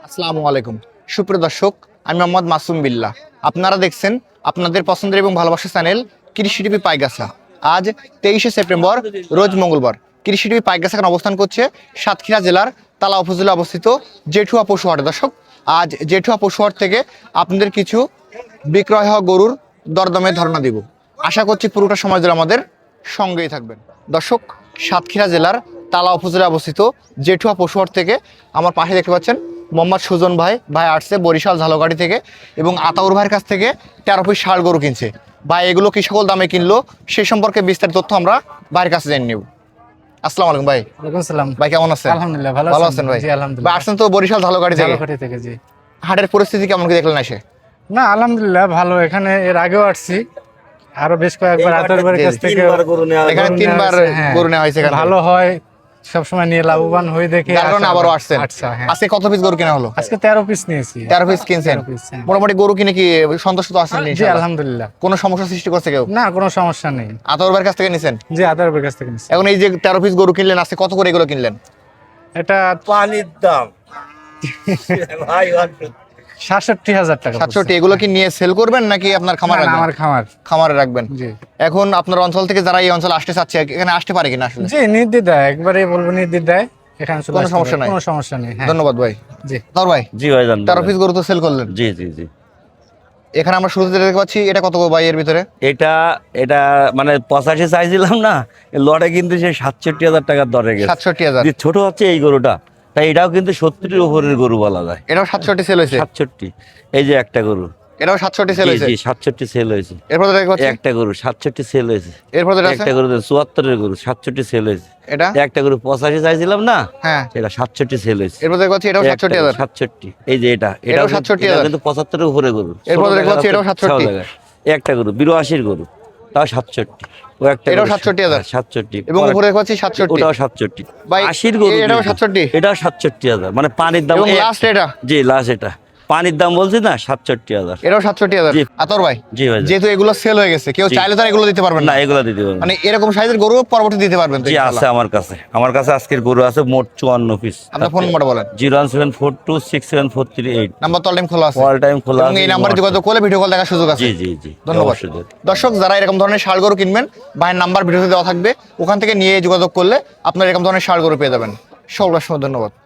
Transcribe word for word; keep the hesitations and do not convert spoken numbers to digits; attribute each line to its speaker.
Speaker 1: আসসালামু আলাইকুম সুপ্রিয় দর্শক, আমি মোহাম্মদ মাসুম বিল্লাহ। আপনারা দেখছেন আপনাদের পছন্দের এবং ভালোবাসার চ্যানেল কৃষি টিভি পাইগাছা। আজ তেইশে সেপ্টেম্বর রোজ মঙ্গলবার। কৃষি টিভি পাইগাছা এখন অবস্থান করছে সাতক্ষীরা জেলার তালা উপজেলা অবস্থিত জেঠুয়া পশুহাটে। দর্শক, আজ জেঠুয়া পশুহাট থেকে আপনাদের কিছু বিক্রয় হওয়া গরুর দরদামে ধারণা দিব। আশা করছি পুরোটা সময় ধরে আমাদের সঙ্গেই থাকবেন। দর্শক, সাতক্ষীরা জেলার তালা উপজেলা অবস্থিত জেঠুয়া পশুহাট থেকে আমার পাশে দেখতে পাচ্ছেন মোহাম্মদ সুজন ভাই ভাই আসছে বরিশাল ঝালকাঠি থেকে এবং আতাউর ভাইয়ের কাছ থেকে তেরো পিস ষাঁড় গরু কিনছে। ভাই এগুলো কি সকল দামে কিনলো সে সম্পর্কে বিস্তারিত তথ্য আমরা ভাইয়ের কাছে জেনে নেব। আসসালামু আলাইকুম ভাই।
Speaker 2: ওয়ালাইকুম আসসালাম
Speaker 1: ভাই, কেমন আছেন?
Speaker 2: আলহামদুলিল্লাহ ভালো
Speaker 1: ভালো
Speaker 2: আছেন
Speaker 1: আছেন ভাই?
Speaker 2: জি আলহামদুলিল্লাহ।
Speaker 1: ভাই আসছেন তো বরিশাল ঝালকাঠি থেকে।
Speaker 2: ঝালকাঠি থেকে জি।
Speaker 1: হাটের পরিস্থিতি কেমন কি দেখলেন এসে?
Speaker 2: না আলহামদুলিল্লাহ ভালো, এখানে এর আগেও আসছি, আরো বেশ কয়েকবার আতর বাড়ির কাছ থেকে
Speaker 1: এখানে তিনবার গরু নেওয়া হয়েছে। এখানে
Speaker 2: ভালো হয়, সবসময় নিয়ে লাভবান হয়ে দেখে
Speaker 1: যার কারণে আবারও আসছেন।
Speaker 2: আচ্ছা হ্যাঁ,
Speaker 1: আজকে কত পিস গরু কেনা হলো?
Speaker 2: আজকে তেরো পিস নিয়েছি।
Speaker 1: তেরো পিস কিনছেন।
Speaker 2: তেরো piece, হ্যাঁ।
Speaker 1: মোটামুটি গরু কিনে কি সন্তুষ্ট তো আছেন
Speaker 2: জি
Speaker 1: ইনশাআল্লাহ?
Speaker 2: আলহামদুলিল্লাহ।
Speaker 1: কোনো সমস্যা সৃষ্টি করছে কেউ?
Speaker 2: না কোনো সমস্যা নেই।
Speaker 1: আতাউর ভাইয়ের কাছ থেকে নিছেন?
Speaker 2: জি আতর বাড়ির কাছ থেকে নিয়েছি।
Speaker 1: এখন এই যে তেরো পিস গরু কিনলেন, আজকে কত করে এগুলো কিনলেন?
Speaker 2: এটা
Speaker 3: পানির দাম ভাই
Speaker 2: সাতষট্টি হাজার টাকা।
Speaker 1: সাতষট্টি। এগুলো কি নিয়ে সেল করবেন নাকি আপনার খামার
Speaker 2: না, না,
Speaker 1: রাখবেন?
Speaker 2: আমার খামার।
Speaker 1: খামারে রাখবেন।
Speaker 2: জি
Speaker 1: এখন আপনার অঞ্চল থেকে যারা এই অঞ্চলে আসতে চাচ্ছে এখানে আসতে পারে কিনা আসলে?
Speaker 2: জি নির্দ্বিধায়, একবারে বলবো নির্দ্বিধায় এখানে চলে
Speaker 1: কোনো
Speaker 2: আসতে
Speaker 1: সমস্যা
Speaker 2: পারে,
Speaker 1: নাই।
Speaker 2: কোনো সমস্যা নেই। হ্যাঁ
Speaker 1: ধন্যবাদ ভাই।
Speaker 2: জি
Speaker 1: তার ভাই,
Speaker 3: জি ভাই জান
Speaker 1: তেরো পিস গরু তো সেল করলেন।
Speaker 3: জি জি জি
Speaker 1: এখানে আমরা শুরুতে যেটা দেখতে পাচ্ছি এটা কত ভাই এর ভিতরে?
Speaker 3: এটা এটা মানে পঁচাশি চাইছিলাম না, এই লটে কিন্তু সে সাতষট্টি হাজার টাকার দরে গেছে।
Speaker 1: সাতষট্টি হাজার।
Speaker 3: যে ছোট হচ্ছে এই গরুটা, তাই এটাও কিন্তু সত্তরের উপরের গরু বলা যায়।
Speaker 1: এটাও সাতষট্টি সেল হয়েছে।
Speaker 3: সাতষট্টি, এই যে একটা গরু।
Speaker 1: এটাও সাতষট্টি সেল
Speaker 3: জি
Speaker 1: হয়েছে।
Speaker 3: জি সাতষট্টি সেল হয়েছে।
Speaker 1: এরপর যেটা দেখতে পাচ্ছি
Speaker 3: একটা গরু সাতষট্টি সেল হয়েছে।
Speaker 1: এরপর যেটা আছে
Speaker 3: একটা গরু চুয়াত্তরের গরু সাতষট্টি সেল হয়েছে।
Speaker 1: এটা
Speaker 3: একটা গরু পঁচাশি চাইছিলাম না,
Speaker 1: হ্যাঁ।
Speaker 3: এটা সাতষট্টি সেল হয়েছে।
Speaker 1: এরপর দেখতে পাচ্ছি এটাও সাতষট্টি হাজার।
Speaker 3: সাতষট্টি, এই যে এটা
Speaker 1: এটাও
Speaker 3: এটাও
Speaker 1: সাতষট্টি
Speaker 3: এটাও
Speaker 1: হাজার।
Speaker 3: কিন্তু পঁচাত্তরের উপরে গরু।
Speaker 1: এরপর
Speaker 3: ষোলো
Speaker 1: দেখতে পাচ্ছি
Speaker 3: টাকা
Speaker 1: এটাও সাতষট্টি।
Speaker 3: ছয় টাকা। একটা গরু বিরাশির গরু, তাও সাতষট্টি। ও একটা
Speaker 1: এটাও
Speaker 3: গরু
Speaker 1: সাতষট্টি হাজার।
Speaker 3: হ্যাঁ, সাতষট্টি।
Speaker 1: এবং উপরে দেখতে পাচ্ছি সাতষট্টি।
Speaker 3: ওটাও সাতষট্টি।
Speaker 1: ভাই,
Speaker 3: আশির গরু
Speaker 1: এটাও
Speaker 3: কিন্তু।
Speaker 1: সাতষট্টি।
Speaker 3: এটাও সাতষট্টি হাজার, মানে পানির দাম
Speaker 1: এবং
Speaker 3: এই
Speaker 1: লাস্ট
Speaker 3: একটা।
Speaker 1: এটা
Speaker 3: জি লাস্ট এটা পানির দাম বলছি না, সাতষট্টি হাজার।
Speaker 1: এটাও সাতষট্টি হাজার।
Speaker 3: জি।
Speaker 1: আতর ভাই,
Speaker 3: জি ভাই।
Speaker 1: যেহেতু এগুলো সেল হয়ে গেছে, কেউ
Speaker 3: জি।
Speaker 1: চাইলে তো আর এগুলো দিতে পারবেন
Speaker 3: না
Speaker 1: না।
Speaker 3: এগুলো দিতে পারবো না।
Speaker 1: মানে এরকম সাইজের গরু পরবর্তী দিতে পারবেন তো
Speaker 3: জি
Speaker 1: ইনশাআল্লাহ?
Speaker 3: আছে আমার কাছে, আমার কাছে আজকের গরু আছে মোট চুয়ান্ন পিস।
Speaker 1: আপনার ফোন নাম্বারটা বলেন।
Speaker 3: Zero one seven four two six seven four three eight.
Speaker 1: Number তো টাইম খোলা আছে।
Speaker 3: অল টাইম খোলা
Speaker 1: এবং
Speaker 3: আছে।
Speaker 1: এই নাম্বারে যোগাযোগ করলে ভিডিও কল দেখার সুযোগ আছে।
Speaker 3: জি জি জি
Speaker 1: ধন্যবাদ।
Speaker 3: অবশ্যই দেব।
Speaker 1: দর্শক, যারা এরকম ধরনের ষাঁড় গরু কিনবেন, ভাইয়ের নাম্বার ভিডিওতে দেওয়া থাকবে, ওখান থেকে নিয়ে যোগাযোগ করলে আপনারা এরকম ধরনের ষাঁড় গরু পেয়ে যাবেন। সকল ধন্যবাদ।